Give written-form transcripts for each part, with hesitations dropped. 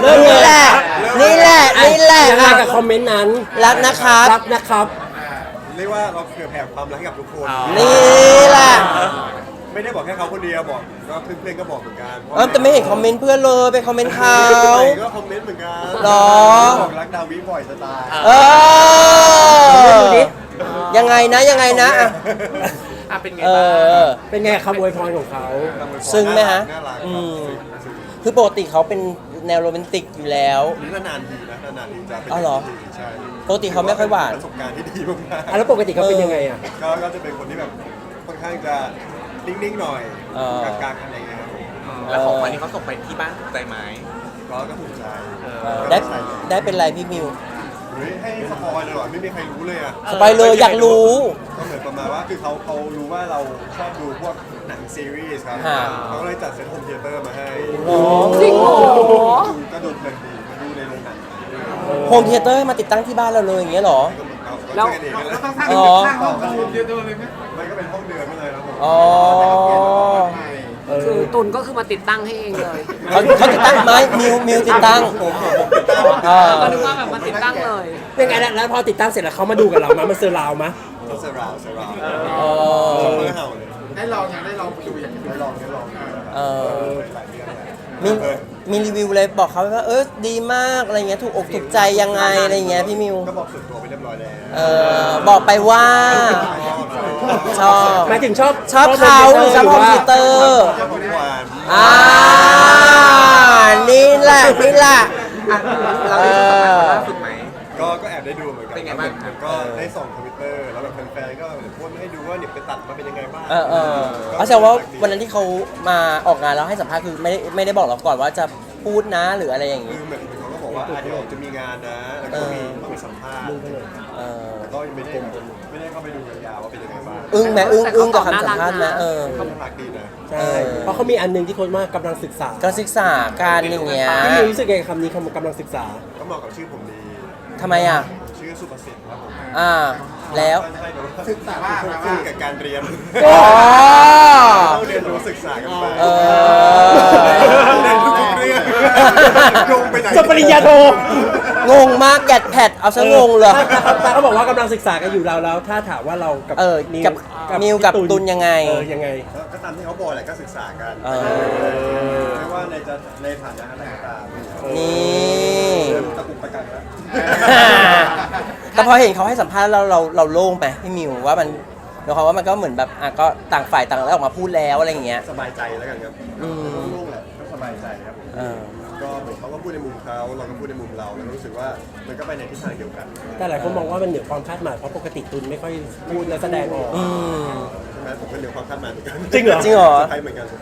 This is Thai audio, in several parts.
นี่แหละนี่แหละนี่แหละยังไงกับคอมเมนต์นั้นรักนะครับรักนะครับเรียกว่าเราเผื่อแผ่ความรักให้กับทุกคนนี่แหละไม่ได้บอกแค่เขาคนเดียวบอกก็เพื่อนๆก็บอกเหมือนกันแต่ไม่เห็นคอมเมนต์เพื่อนเลยไปคอมเมนต์เขาก็คอมเมนต์เหมือนกันหรอบอกรักดาวิบ่อยจะตายเออยังไงนะยังไงนะอ่ะเป็นไงเอบ้างอเป็นไงคำอวยพรของเขาซึ้งไหมฮะน่ารักอืมซึ้งคือปกติเขาเป็นแนวโรแมนติกอยู่แล้วหรือนานๆทีนะนานๆทีจะเป็นอ๋อเหรอใช่ปกติเขาไม่ค่อยหวานประสบการณ์ที่ดีมากแล้วปกติเขาเป็นยังไงอ่ะๆก็จะเป็นคนที่แบบค่อนข้างจะนิ่งๆหน่อยกลางๆอะไรเงี้ยครับผมแล้วของวันนี้เขาส่งไปที่บ้านถูกใจไหมก็ถูกใจได้ใส่เลยได้เป็นไรพี่มิวเฮ้ยให้สปอยเลยเหรอไม่มีใครรู้เลยอ่ะสบายเลยอยากรู้ก็เหมือนประมาณว่าคือเขารู้ว่าเราชอบดูพวกหนังซีรีส์ครับฮะเขาก็เลยจัดเซตโฮมเทเตอร์มาให้จริงเหรอก็ดูเพลินดีมาดูในโรงหนังโฮมเทเตอร์มาติดตั้งที่บ้านเราเลยอย่างเงี้ยเหรอก็เหมือนเอาแล้วช่วยกันเองนั่นแหละอ๋อมันก็เป็นห้องเดือนไม่เลยครับผมอ๋อคือตุนก็คือมาติดตั้งให้เองเลยเขาติดตั้งไหมมิวติดตั้งผมติดตามอ่าก็นึกว่าแบบมาติดตั้งเลยเป็นไงแล้วพอติดตั้งเสร็จแล้วเขามาดูกับเรามาเซอร์ราวมะก็เซราวอ๋อชอบเมื่อเห่าเลยได้ลองยังได้ลองดูอย่างได้ลองนะครับเออหลายเรื่องแหละมีรีวิวเลยบอกเขาว่าดีมากอะไรเงี้ยถูกอกถูกใจยังไงอะไรเงี้ยพี่มิวก็บอกส่วนตัวไปเรียบร้อยแล้วบอกไปว่าชอบหมายถึงชอบเขาหรือชอบโฮมเทเตอร์ชอบทุกวันนี่แหละนี่แหละเราได้สัมภาษณ์เขาล่าสุดไหมก็แอบได้ดูเหมือนกันเป็นไงบ้างมันก็ได้ส่องทวิตเตอร์แล้วแบบแฟนๆก็โพสต์มาให้ดูว่าเนี่ยไปตัดมาเป็นยังไงบ้างเอาแสดงว่าวันนั้นที่เขามาออกงานแล้วให้สัมภาษณ์คือไม่ได้บอกเราก่อนว่าจะพูดนะหรืออะไรอย่างคืงี้อเหมือนเขาก็บอกว่าเดี๋ยวจะมีงานนะแล้วก็ต้องมีสัมภาษณ์เออแต่ก็ยังไม่ได้เข้าไปดูยาวๆว่าเป็นยังไงบ้างอึ้งไหมอึ้งกับคำสัมภาษณ์ไหมก็น่ารักดีนะใช่เพราะเขามีอันหนึงที่โค้ชว่ากำลังศึกษาการศึกษาการอย่างเงี้ยพี่มิวรู้สึกไงคำนี้คำกำลังศึกษาก็เหมาะกับชื่อผมดีทำไมอ่ะผมชื่อสุประสิทธิ์ครับผมแล้วใช่แบบว่าศึกษาคู่กับการเรียนอ๋อต้องเรียนรู้ศึกษากันไปเออเรียนทุกเรื่องลงไปไหนจบปริญญาโทงงมากแกดแพดเอาซะงงเลยตาเขาบอกว่ากำลังศึกษากันอยู่แล้วถ้าถามว่าเรากับกับนิวกับตุนยังไงยังไงก็ตามที่เขาบอกแหละก็ศึกษากัน ไม่ว่าในฐานะอะไรก็ตามนี่เริ่มตะกุกตะกักแล้วแต่พอเห็นเขาให้สัมภาษณ์แล้วเราโล่งไปพี่มิวว่ามันเดี๋ยวเขาว่ามันก็เหมือนแบบก็ต่างฝ่ายต่างแล้วออกมาพูดแล้วอะไรอย่างเงี้ยสบายใจแล้วกันครับโล่งๆแหละก็สบายใจครับผม ก็เหมือนเขาก็พูดในมุมเขาเราก็พูดในมุมเราแล้วรู้สึกว่ามันก็ไปในทิศทางเดียวกันแต่หลายคนมองว่ามันเหนือความคาดหมายเพราะปกติตุนไม่ค่อยพูดและแสดงออกใช่ไหมผมก็เหนือความคาดหมายเหมือนกันจริงเหรอจริงเหรอเซอร์ไพรส์เหมือนกัน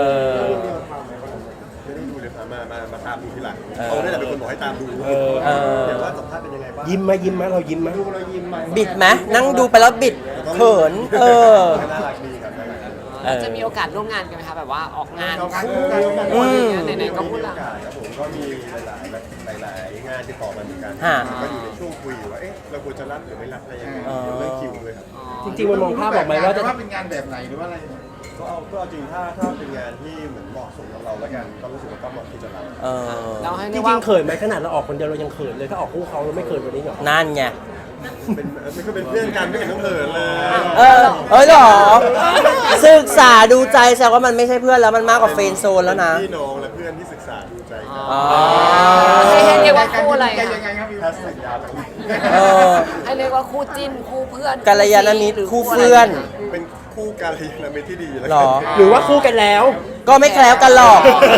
ไม่ได้ดูเลยครับมาตามดูทีหลังเขาได้แต่เป็นคนบอกให้ตามดูเดี๋ยวว่าสัมภาษณ์เป็นยังไงบ้างยิ้มไหมเรายิ้มไหมดูเรายิ้มไหมบิดไหมนั่งดูไปแล้วบิดเขินน่ารักดีครับจะมีโอกาสร่วมงานกันไหมคะแบบว่าออกงานอืมไหนๆก็พูดละครับผมก็มีหลายงานติดต่อมาเหมือนกันฮะก็อยู่ในช่วงคุยอยู่ว่าเราควรจะรับหรือไม่รับอะไรยังไงเรื่องคิวด้วยครับจริงๆมันมองภาพออกไหมว่าจะเป็นงานแบบไหนหรือว่าอะไรก็เอาจริงถ้าเป็นงานที่เหมือนเหมาะสมกับเราแล้วกันก็รู้สึกว่าก็เหมาะที่จะรับเราให้จเรีริยกว่างๆเขินไหมขนาดเราออกคนเดียวเรายังเขินเลยถ้าออกคู่เขาเราไม่เขินกว่านี้หรอนั่นไงมันก็เป็นเพื่อนกันไม่เห็นต้องเหินเลยเหรอศึกษาดูใจแสดงว่ามันไม่ใช่เพื่อนแล้วมันมากกว่าเฟรนด์โซนแล้วนะพี่น้องและเพื่อนที่ศึกษาดูใจกันให้เรียกว่าคู่อะไรคะแฮชแท็กยาวจังให้เรียกว่าคู่จิ้นคู่เพื่อนกัลยาณมิตรคู่เพื่อนเป็นคู่การยานมิตรที่ดีแล้วหรอหรือว่าคู่กันแล้วก็ไม่แคล้วกันหรอก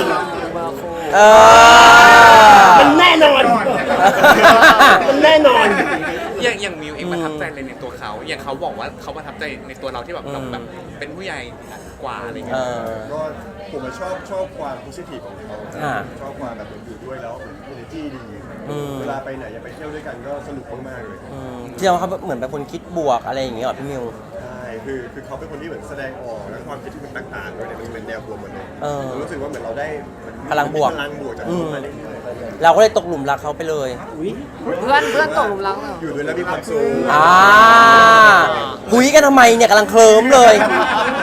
มันแน่นอน มันแน่นอนอย่างมิวเองประทับใจอะไรในตัวเขา อย่างเขาบอกว่าเขาประทับใจในตัวเราที่แบบเราแบบเป็นผู้ใหญ่กว่าอะไรเงี้ยก็ผมชอบความโพสิทีฟของเขา ชอบความแบบอยู่ด้วยแล้วเหมือน energy ดีเวลาไปไหนอย่าไปเที่ยวด้วยกันก็สนุกมากๆเลยที่เราเขาเหมือนเป็นคนคิดบวกอะไรอย่างเงี้ยหรอพี่มิวใช่คือเขาเป็นคนที่เหมือนแสดงออกแล้วความคิดที่มันต่างๆด้วยเนี่ยมันเป็นแนวบวกหมดเลยรู้สึกว่าเหมือนเราได้พลังบวกพลังบวกจากเขามาเรื่อยๆเราก็เลยตกหลุมรักเขาไปเลยเพื่อนตกหลุมรักเหรออยู่ด้วยแล้วมีความสุขคุยกันทำไมเนี่ยกำลังเคลิ้มเลยเห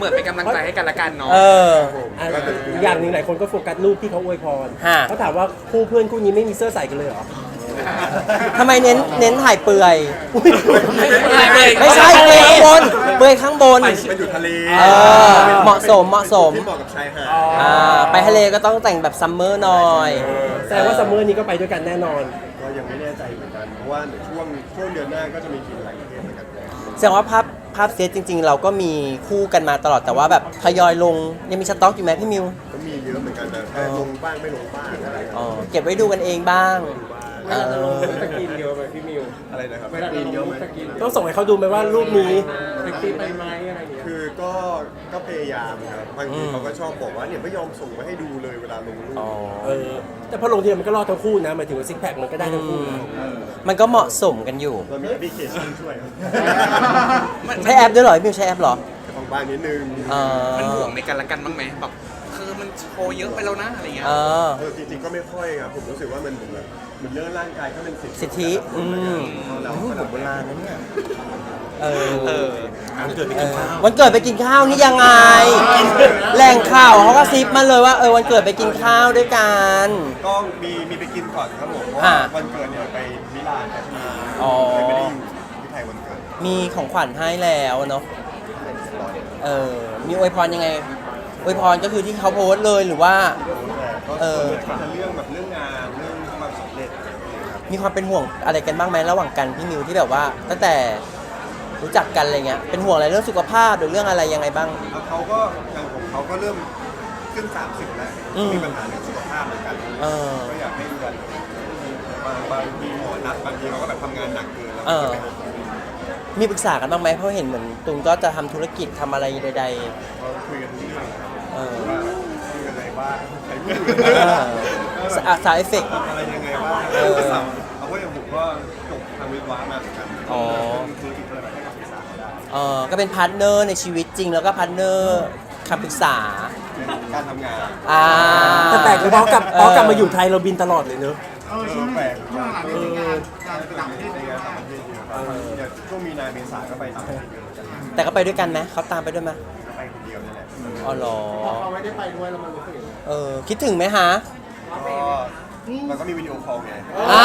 มือนเป็นกำลังใจให้กันละกันเนาะเอออ่ะอีกอย่างหนึ่งหลายคนก็โฟกัสรูปที่เขาอวยพรฮะเขาถามว่าคู่เพื่อนคู่นี้ไม่มีเสื้อใส่กันเลยเหรอทำไมเน้นถ่ายเปลือยไม่ใช่ไม่ใช่เปลือยข้างบนเปลือยข้างบนมันอยู่ทะเลเออเหมาะสมที่เหมาะกับชายหาดไปทะเลก็ต้องแต่งแบบซัมเมอร์หน่อยแสดงว่าซัมเมอร์นี้ก็ไปด้วยกันแน่นอนก็ยังไม่แน่ใจเหมือนกัน เพราะว่าช่วงเดือนหน้าก็จะมีกินหลายประเทศเหมือนกันแสดงว่าภาพเซตจริง ๆ เราก็มีคู่กันมาตลอดแต่ว่าแบบทยอยลงยังมีสต็อกอยู่ไหมพี่มิวก็มีเยอะเหมือนกันแต่แค่ลงบ้างไม่ลงบ้างอะไรอ๋อเก็บไว้ดูกันเองบ้างเออสกินเยอะไหมพี่มิวอะไรนะครับสกินเยอะไหมต้องส่งให้เขาดูไหมว่ารูปนี้คือก็พยายามครับบางทีเขาก็ชอบบอกว่าเนี่ยไม่ยอมส่งมาให้ดูเลยเวลาลงรูปอ๋อแต่พอลงทีมันก็รอดทั้งคู่นะหมายถึงว่าซิกแพคมันก็ได้ทั้งคู่นะมันก็เหมาะสมกันอยู่เรามีแอปพลิเคชันช่วยครับใช้แอปด้วยเหรอพี่มิวใช้แอปเหรอของบ้านนิดนึงเออมันห่วงในกันละกันบ้างไหมแบบคือมันโชว์เยอะไปแล้วนะอะไรเงี้ยเออจริงๆก็ไม่ค่อยครับผมรู้สึกว่ามันเหมือนแบบเหมือนเรื่องร่างกายก็เป็นสิทธิเราผมโบราณนะเนี่ยเอเอออวันเกิดไปกินข้าวนี่ยังไง แหล่งข่าวเขาก็ซิปมาเลยว่าวันเกิดไปกินข้าวด้วยกันก็มีไปกินก่อนครับผมเพราะอ่าว่าวันเกิดเนี่ยไปมิลานครับที่อ๋อเลยไม่ได้อยู่ที่ไทยวันเกิดมีของขวัญให้แล้วเนาะมีอวยพรยังไงอวยพรก็คือที่เขาโพสต์เลยหรือว่าก็เออจะเรื่องแบบเรื่องงานเรื่องความสำเร็จอะไรอย่างเงี้ยครับมีความเป็นห่วงอะไรกันบ้างไหมระหว่างกันพี่มิวที่แบบว่าตั้งแต่รู้จักกันอะไรเงี้ยเป็นห่วงอะไรเรื่องสุขภาพหรือเรื่องอะไรยังไงบ้างแล้วเขาก็อย่างของเขาก็เริ่มขึ้น30แล้วอืมมีปัญหาเรื่องสุขภาพเหมือนกันเออก็อยากให้ดูแลบางทีหมอนัดบางทีเขาก็แบบทำงานหนักเกินแล้วเออก็ไม่ได้มีปรึกษากันบ้างไหมเพราะเห็นเหมือนตุงก็จะทำธุรกิจทำอะไรใดเราคุยกันทุกเรื่องครับเออว่าคุยกันอะไรบ้างใช้มือสาวเอฟเฟกต์อะไรยังไงบ้างเออเอาว่าอย่างผมก็จบทางวิศวะมาเหมือนกันอ๋อธุรกิจอะไรแบบให้คำปรึกษาเขาได้ก็เป็นพาร์ทเนอร์ในชีวิตจริงแล้วก็พาร์ทเนอร์คำปรึกษาการทำงานแต่แปลกเลยเพราะกลับมาอยู่ไทยเราบินตลอดเลยเนอะแปลกช่วงหลังในงานต่างประเทศเยอะครับอย่างช่วงมีนาเมษาก็ไปต่างประเทศเยอะเหมือนกันแต่ก็ไปด้วยกันไหมเขาตามไปด้วยไหมก็ไปคนเดียวนี่แหละอ๋อเหรอเขาไม่ได้ไปด้วยแล้วมันรู้สึกคิดถึงไหมฮะก็มันก็มีวิดีโอคอลไง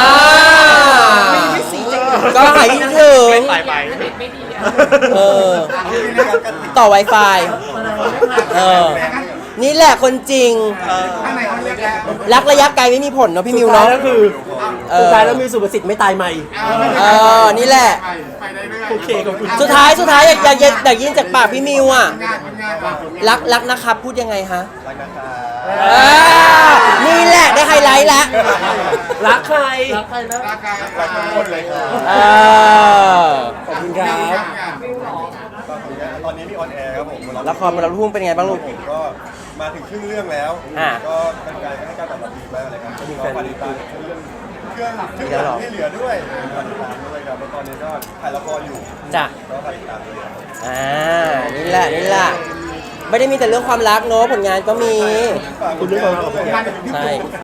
ก็หายคิดถึงไปไปเออ ต่อ Wi-Fi นี่แหละคนจริง รักระยะไกลไม่มีผลเนาะพี่มิวสุดท้ายเนาะแล้วคือสุดท้ายแล้วมีสุภสิทธิ์ไม่ตายใหม่นี่แหละโอเคขอบคุณสุดท้ายอยากยินจากปากพี่มิวอ่ะ รักนะครับพูดยังไงฮะรักนะคะนี่แหละได้ไฮไลท์แล้วรักใครรักทุกคนเลยค่ะขอบคุณครับตอนนี้มีออนแอร์ครับผมละครมาเราทุ่งเป็นไงบ้างลูกผมก็มาถึงครึ่งเรื่องแล้วอ่าก็เป็นการให้การตอบรับดีมากเลยครับก็ฝากติดตามเครื่องหลังที่เหลือด้วยฝากติดตามด้วยครับแล้วตอนนี้ก็ถ่ายละครอยู่จ้ะก็ฝากติดตามด้วยครับนี่แหละไม่ได้มีแต่เรื่องความรักเนาะผลงานก็มีฝากคุณด้วยครับใช่